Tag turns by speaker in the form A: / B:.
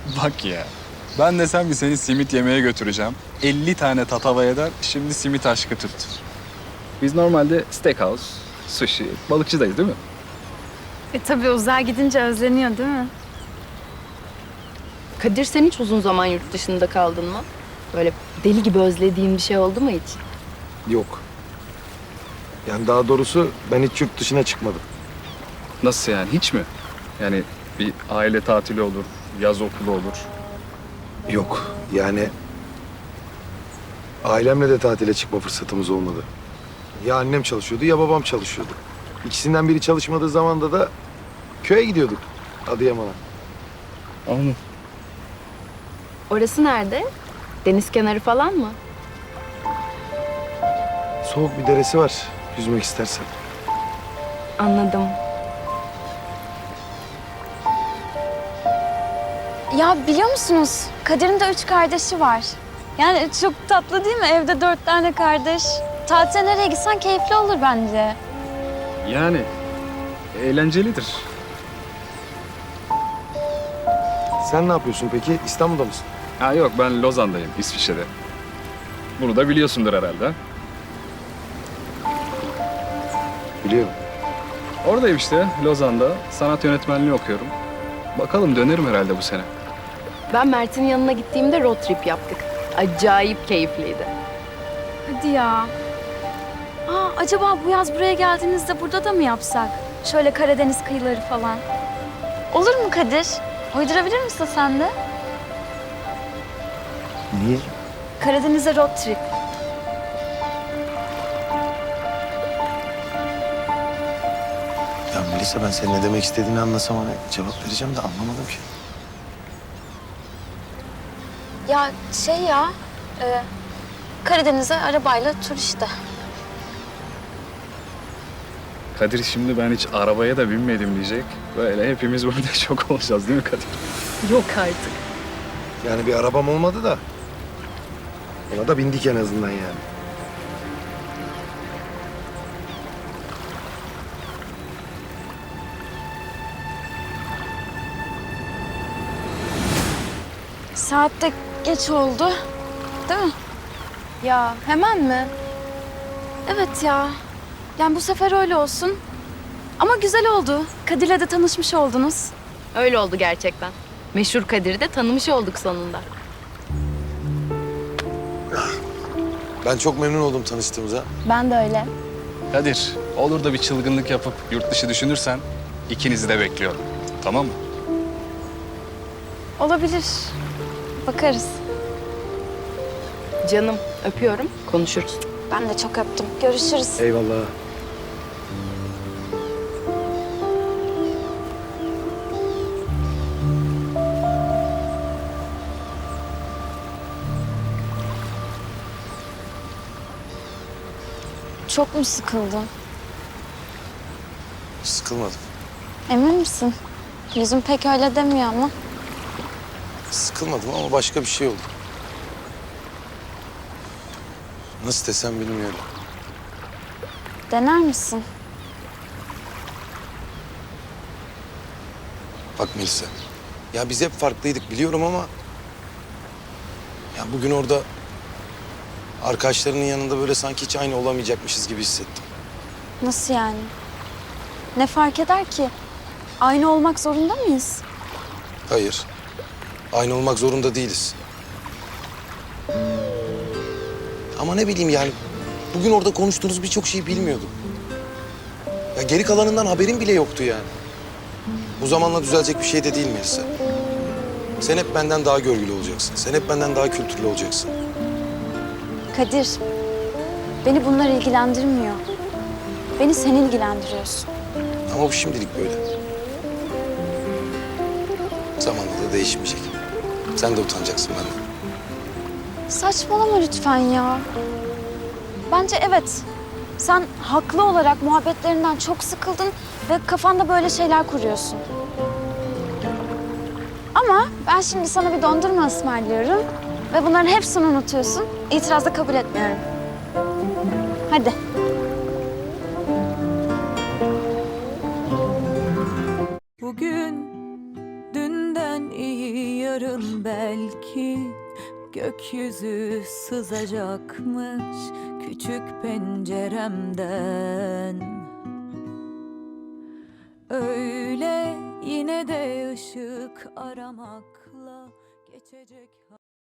A: Bak ya. Ben desem ki seni simit yemeye götüreceğim. 50 tane tatava eder, şimdi simit aşkı tuttu. Biz normalde steakhouse, sushi, balıkçıdayız değil mi?
B: Tabii uzağa gidince özleniyor değil mi?
C: Kadir, sen hiç uzun zaman yurt dışında kaldın mı? Böyle deli gibi özlediğin bir şey oldu mu hiç?
D: Yok. Yani daha doğrusu ben hiç yurt dışına çıkmadım.
A: Nasıl yani, hiç mi? Yani bir aile tatili olur, yaz okulu olur.
D: Yok. Yani ailemle de tatile çıkma fırsatımız olmadı. Ya annem çalışıyordu ya babam çalışıyordu. İkisinden biri çalışmadığı zamanda da köye gidiyorduk Adıyaman'a.
A: Anladım.
C: Orası nerede? Deniz kenarı falan mı?
D: Soğuk bir deresi var yüzmek istersen.
C: Anladım.
B: Ya biliyor musunuz? Kadir'in de 3 kardeşi var. Yani çok tatlı değil mi? Evde 4 tane kardeş. Tatile nereye gitsen keyifli olur bence.
A: Yani eğlencelidir.
D: Sen ne yapıyorsun peki? İstanbul'da mısın?
A: Ha yok, ben Lozan'dayım, İsviçre'de. Bunu da biliyorsundur herhalde.
D: Biliyorum.
A: Oradayım işte, Lozan'da. Sanat yönetmenliği okuyorum. Bakalım dönerim herhalde bu sene.
C: Ben Mert'in yanına gittiğimde road trip yaptık. Acayip keyifliydi.
B: Hadi ya. Acaba bu yaz buraya geldiğinizde burada da mı yapsak? Şöyle Karadeniz kıyıları falan. Olur mu Kadir? Uydurabilir misin sen de?
D: Niye?
B: Karadeniz'e road trip.
D: Ya Melisa, ben senin ne demek istediğini anlasam hani cevap vereceğim de anlamadım ki.
B: Ya Karadeniz'e arabayla tur işte.
A: Kadir, şimdi ben hiç arabaya da binmedim diyecek. Böyle hepimiz burada şok olacağız değil mi Kadir?
C: Yok artık.
D: Yani bir arabam olmadı da ona da bindik en azından yani.
B: Saat de geç oldu. Değil mi? Ya hemen mi? Evet ya. Yani bu sefer öyle olsun. Ama güzel oldu. Kadir'le de tanışmış oldunuz.
C: Öyle oldu gerçekten. Meşhur Kadir'i de tanımış olduk sonunda.
D: Ben çok memnun oldum tanıştığımıza.
B: Ben de öyle.
A: Kadir, olur da bir çılgınlık yapıp yurt dışı düşünürsen ikinizi de bekliyorum. Tamam mı?
B: Olabilir. Bakarız.
C: Canım, öpüyorum. Konuşuruz.
B: Ben de çok öptüm. Görüşürüz.
D: Eyvallah.
B: Çok mu sıkıldın?
D: Sıkılmadım.
B: Emin misin? Yüzün pek öyle demiyor ama.
D: Sıkılmadım ama başka bir şey oldu. Nasıl desem bilmiyorum.
B: Dener misin?
D: Bak Melisa, ya biz hep farklıydık biliyorum ama... ...ya bugün orada arkadaşlarının yanında böyle sanki hiç aynı olamayacakmışız gibi hissettim.
B: Nasıl yani? Ne fark eder ki? Aynı olmak zorunda mıyız?
D: Hayır, aynı olmak zorunda değiliz. Ama ne bileyim yani, bugün orada konuştuğunuz birçok şeyi bilmiyordum. Ya geri kalanından haberim bile yoktu yani. Bu zamanla düzelecek bir şey de değil Melisa. Sen hep benden daha görgülü olacaksın. Sen hep benden daha kültürlü olacaksın.
B: Kadir, beni bunlar ilgilendirmiyor. Beni sen ilgilendiriyorsun.
D: Ama bu şimdilik böyle. Zamanla da değişmeyecek. Sen de utanacaksın benden.
B: Saçmalama lütfen ya. Bence evet. Sen haklı olarak muhabbetlerinden çok sıkıldın ve kafanda böyle şeyler kuruyorsun. Ama ben şimdi sana bir dondurma ısmarlıyorum ve bunların hepsini unutuyorsun. İtiraz da kabul etmiyorum. Hadi.
E: Bugün dünden iyi yarın belki gökyüzü sızacakmış küçük penceremden. Öyle yine de ışık aramakla geçecek.